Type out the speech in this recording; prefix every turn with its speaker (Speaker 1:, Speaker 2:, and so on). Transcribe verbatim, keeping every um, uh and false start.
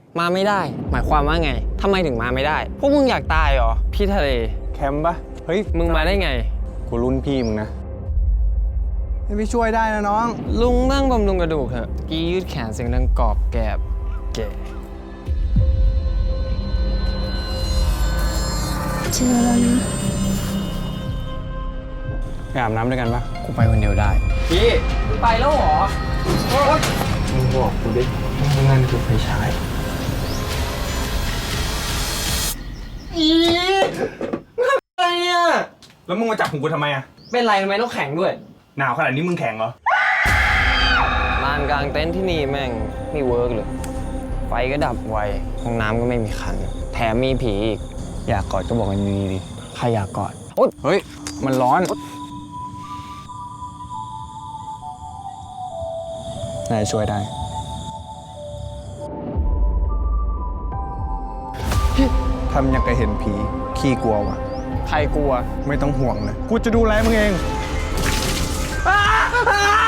Speaker 1: มาไม่ได้ หมายความว่าไงทำไมถึงมาไม่ได้ พวกมึงอยากตายเหรอ พี่ทะเล
Speaker 2: แคมป์ปะเฮ้ย
Speaker 1: มึงมาได้ไง
Speaker 2: กูรุ่นพี่มึงนะ
Speaker 3: ให้พี่ช่วยได้นะน้อง
Speaker 1: ลุงนั่งบำรุงกระดูกเถอะกี้ยืดแขนเสียงดังกรอบแกบแก
Speaker 4: เจอแล้วนะ
Speaker 2: ไปอาบน้ำด้วยกันปะ
Speaker 1: กูไปคนเดียวได้
Speaker 2: พี่
Speaker 1: มึงไปแล้วเหรอ
Speaker 2: มึงบอกกูดิมึงนั่นคือไฟฉาย
Speaker 1: อะไรเนี่ย
Speaker 2: แล้วมึงมาจับหูกูทำไมอะ
Speaker 1: เป็นไรทำไมต้องแข็งด้วย
Speaker 2: หนาวขนาดนี้มึงแข็งเหรอ
Speaker 1: ลานกลางเต็นท์ที่นี่แม่งไม่เวิร์กเลย ไฟก็ดับไว ห้องน้ำก็ไม่มีคัน แถมมีผีอีก
Speaker 2: อยากกอดก็บอกมันดีๆดิ
Speaker 1: ใครอยากกอด
Speaker 2: เฮ้ย มันร้อนนายช่วยได้ ทำอย่างกับเห็นผี ขี้กลัววะ
Speaker 1: ใครกลัว
Speaker 2: ไม่ต้องห่วงเลย กูจะดูแลมึงเอง
Speaker 1: อ้า